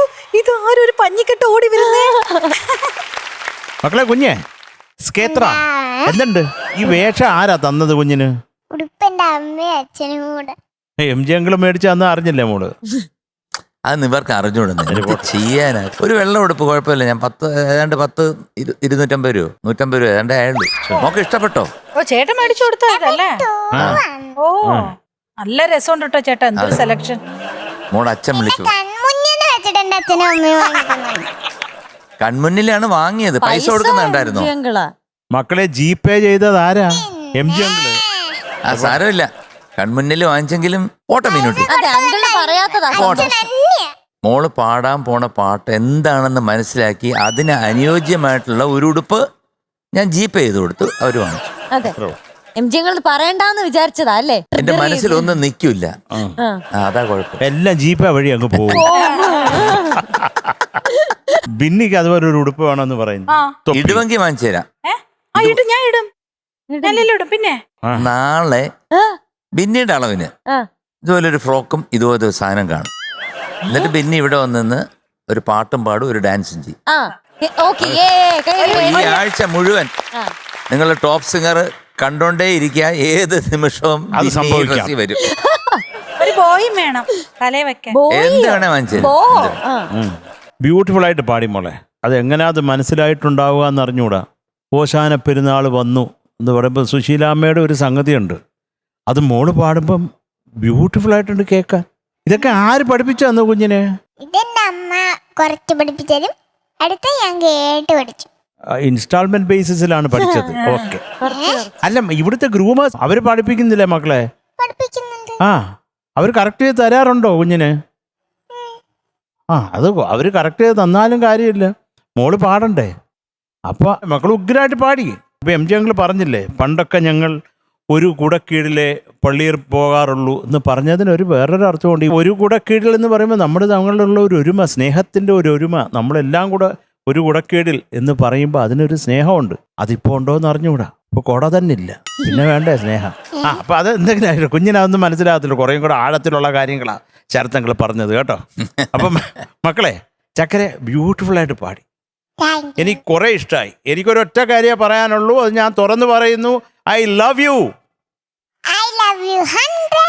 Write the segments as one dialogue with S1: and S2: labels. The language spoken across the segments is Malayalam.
S1: ഇത് ആരും ഒരു പഞ്ഞിക്കെട്ട് ഓടി വരുന്നേ.
S2: മക്കളെ കുഞ്ഞെ സ്കേത്ര എന്തുണ്ട് ഈ വേഷം ആരാ തന്നത് കുഞ്ഞിന്?
S3: ഉടുപ്പന്റെ അമ്മയും അച്ഛനും കൂടെ.
S2: MG അങ്കിള് മേടിച്ച അന്ന് അറിഞ്ഞില്ലേ മോള്?
S4: അത് ഇവർക്ക് അറിഞ്ഞുകൊടുന്നു ചെയ്യാനാ. ഒരു വെള്ളം ഉടുപ്പ് കുഴപ്പമില്ല. ഞാൻ 250 രൂപ 150 രൂപ ഏതാണ്ട് ആയുള്ളൂ. മോക്ക് ഇഷ്ടപ്പെട്ടോ?
S1: ഓ ചേട്ടൻ മേടിച്ചു കൊടുത്തതല്ലേ? ഓ നല്ല രസമുണ്ട് കേട്ടോ ചേട്ടാ. എന്തൊരു സെലക്ഷൻ.
S4: മോളെ അച്ഛൻ വിളിച്ചു.
S3: കൺമുന്നിൽ വെച്ചിട്ട് എന്റെ അച്ഛനും അമ്മയും വാങ്ങിക്കുന്നത്.
S4: കൺമുന്നിലാണ് വാങ്ങിയത്. പൈസ കൊടുക്കുന്നുണ്ടായിരുന്നോ?
S2: മക്കളെ GPay ചെയ്തത് ആരാ? MG uncle.
S4: ആ സാരമില്ല, കൺമുന്നിൽ വാങ്ങിച്ചെങ്കിലും ഓട്ടം മീനുട്ടി. മോള് പാടാൻ പോണ പാട്ട് എന്താണെന്ന് മനസ്സിലാക്കി അതിന് അനുയോജ്യമായിട്ടുള്ള ഒരു ഉടുപ്പ് ഞാൻ GPay ചെയ്ത് കൊടുത്തു. അവര് വാങ്ങിച്ചു.
S5: പറയണ്ടെന്ന് വിചാരിച്ചതാ അല്ലേ?
S4: എന്റെ മനസ്സിലൊന്നും നിൽക്കില്ല. അതാ കുഴപ്പം.
S2: എല്ലാം GPay വഴി അങ്ങ് പോകും. ബിന്നിക്ക് അതുപോലെ ഒരു ഉടുപ്പ് വേണമെന്ന് പറയുന്നു.
S4: ഇടുവെങ്കിൽ വാങ്ങിച്ചു തരാം.
S1: ഞാൻ ഇടും. പിന്നെ
S4: നാളെ ബിന്നിയുടെ അളവിന് ഇതുപോലെ ഒരു ഫ്രോക്കും ഇതുപോലെ ഒരു സാധനം കാണും. എന്നിട്ട് ബിന്നി ഇവിടെ വന്നിന്ന് ഒരു പാട്ടും പാടും, ഒരു ഡാൻസും ചെയ്യും. ഈ ആഴ്ച മുഴുവൻ നിങ്ങൾ ടോപ്പ് സിംഗർ കണ്ടോണ്ടേ ഇരിക്കുക. ഏത് നിമിഷവും
S2: അത് സംഭവിക്കാം.
S4: വരും.
S1: ഒരു ബോയും വേണം തലേ വെക്കാൻ.
S4: എന്ത് വേണേ വാങ്ങിച്ചു.
S2: ബ്യൂട്ടിഫുൾ ആയിട്ട് പാടി മോളെ. അത് എങ്ങനെയാ അത് മനസ്സിലായിട്ടുണ്ടാവുക എന്ന് അറിഞ്ഞൂടാ. ഓശാന പെരുന്നാൾ വന്നു എന്ന് പറയുമ്പോൾ സുശീലാമ്മയുടെ ഒരു സംഗതിയുണ്ട്. അത് മോള് പാടുമ്പം ബ്യൂട്ടിഫുൾ ആയിട്ടുണ്ട് കേൾക്കാൻ. ഇതൊക്കെ ആര് പഠിപ്പിച്ചു തന്നു കുഞ്ഞിനെ?
S3: ഇതെന്റെ അമ്മ കുറച്ച് പഠിപ്പിച്ചതും അടുത്ത ഞാൻ കേട്ട് പഠിച്ചു.
S2: ഇൻസ്റ്റാൾമെന്റ് ബേസിസിലാണ് പഠിച്ചത്. ഓക്കെ. അല്ല ഇവിടുത്തെ ഗ്രൂമേഴ്സ് അവര് പഠിപ്പിക്കുന്നില്ലേ മക്കളെ?
S3: പഠിപ്പിക്കുന്നുണ്ട്.
S2: അവർ കറക്റ്റ് ചെയ്ത് തരാറുണ്ടോ കുഞ്ഞിന്? അത് അവര് കറക്റ്റ് ചെയ്ത് തന്നാലും കാര്യമില്ല, മോള് പാടണ്ടേ. അപ്പൊ മക്കൾ ഉഗ്രായിട്ട് പാടി. ഇപ്പൊ MG അങ്കിള് പറഞ്ഞില്ലേ പണ്ടൊക്കെ ഞങ്ങൾ ഒരു കുടക്കീഴിലെ പള്ളിയിൽ പോകാറുള്ളൂ എന്ന് പറഞ്ഞതിനൊരു വേറൊരു അർത്ഥമുണ്ട്. ഈ ഒരു കുടക്കീഴിൽ എന്ന് പറയുമ്പോൾ നമ്മുടെ തമ്മിലുള്ള ഒരു ഒരുമ, സ്നേഹത്തിന്റെ ഒരു ഒരുമ, നമ്മളെല്ലാം കൂടെ ഒരു കുടക്കീഴിൽ എന്ന് പറയുമ്പോൾ അതിനൊരു സ്നേഹമുണ്ട്. അതിപ്പോ ഉണ്ടോ എന്ന് അറിഞ്ഞുകൂടാ. ഇപ്പൊ കുട തന്നെ ഇല്ല, പിന്നെ വേണ്ടേ സ്നേഹം. അപ്പൊ അത് എന്തെങ്കിലും കുഞ്ഞിനതൊന്നും മനസ്സിലാകത്തില്ല. കുറേയും കൂടെ ആഴത്തിലുള്ള കാര്യങ്ങളാ ശരത്തങ്ങൾ പറഞ്ഞത് കേട്ടോ. അപ്പം മക്കളെ ചക്കര ബ്യൂട്ടിഫുൾ ആയിട്ട് പാടി. എനിക്ക് കുറെ ഇഷ്ടമായി. എനിക്കൊരൊറ്റ കാര്യമേ പറയാനുള്ളൂ, അത് ഞാൻ തുറന്നു പറയുന്നു. I love you.
S3: I love you 100.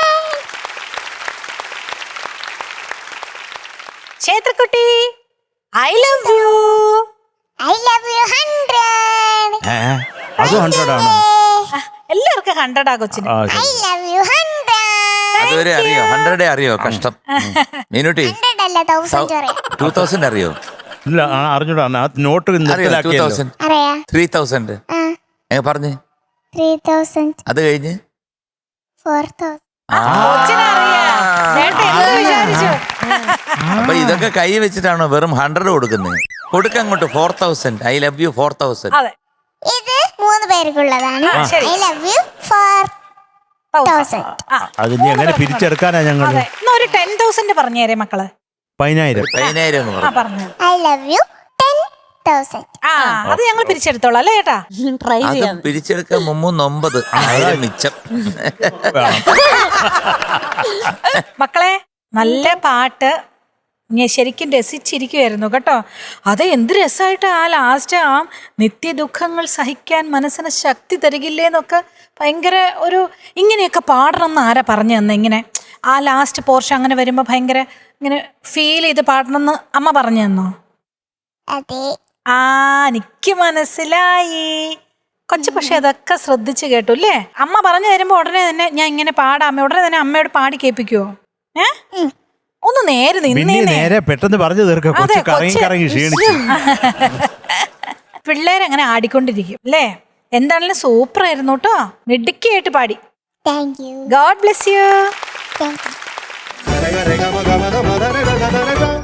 S1: ക്ഷേത്രക്കുട്ടി I love you.
S3: I love you 100.
S2: അത് 100 ആണ്.
S1: എല്ലാവർക്കും 100 ആ കൊച്ചിന്.
S3: I love you 100.
S4: അതുവരെ അറിയോ? 100 അറിയോ? കഷ്ടം. മീനുട്ടി
S3: 100 അല്ല 1000 അറിയാം.
S4: 2000 അറിയോ?
S2: ഇല്ല അറിഞ്ഞൂടാ. നോട്ട്
S4: അറിയോ? 2000
S3: അറിയാം.
S4: 3000 പറഞ്ഞേ.
S3: 3000
S4: അത് കഴിഞ്ഞ്
S3: 4000.
S4: അപ്പൊ ഇതൊക്കെ കൈ വെച്ചിട്ടാണോ വെറും 100 കൊടുക്കുന്നത്? കൊടുക്കങ്ങോട്ട് 4000. I love you 4000.
S3: ഇത് 3 പേർക്കുള്ളതാണ്. I love you 4000.
S2: അതിന് എങ്ങനെ പിരിച്ചെടുക്കാനാ ഞങ്ങൾ?
S1: ഒരു 10,000 പറഞ്ഞേരെ മക്കള്.
S4: 10,000
S3: I love you 10,000.
S1: അത് ഞങ്ങൾ പിരിച്ചെടുത്തോളാം അല്ലേ ചേട്ടാ?
S5: ട്രൈ
S4: അത്
S5: ചെയ്യാം.
S4: പിരിച്ചെടുക്കാൻ 9,000 മിച്ചം.
S1: മക്കളെ നല്ല പാട്ട് ഞാൻ ശരിക്കും രസിച്ചിരിക്കുമായിരുന്നു കേട്ടോ. അത് എന്ത് രസമായിട്ട് ആ ലാസ്റ്റ് ആ നിത്യദുഃഖങ്ങൾ സഹിക്കാൻ മനസ്സിന് ശക്തി തരികില്ലേന്നൊക്കെ ഭയങ്കര ഒരു ഇങ്ങനെയൊക്കെ പാടണം എന്ന് ആരാ പറഞ്ഞു തന്നെ? ഇങ്ങനെ ആ ലാസ്റ്റ് പോർഷൻ അങ്ങനെ വരുമ്പോൾ ഭയങ്കര ഇങ്ങനെ ഫീൽ ചെയ്ത് പാടണമെന്ന് അമ്മ പറഞ്ഞു തന്നോ?
S3: അതെ.
S1: എനിക്ക് മനസ്സിലായി കൊച്ചു. പക്ഷെ അതൊക്കെ ശ്രദ്ധിച്ച് കേട്ടു അല്ലേ? അമ്മ പറഞ്ഞു തരുമ്പോ ഉടനെ തന്നെ ഞാൻ ഇങ്ങനെ പാടാം, ഉടനെ തന്നെ അമ്മയോട് പാടി കേൾപ്പിക്കുവോ? ഒന്ന് നേരെ
S2: നേരെ പെട്ടെന്ന് പറഞ്ഞു തീർക്ക.
S1: പിള്ളേരങ്ങനെ ആടിക്കൊണ്ടിരിക്കും അല്ലേ? എന്താണെങ്കിലും സൂപ്പർ ആയിരുന്നു കേട്ടോ. മിടുക്കിയായിട്ട് പാടി.
S3: Thank you.
S1: God bless you.
S3: Thank U.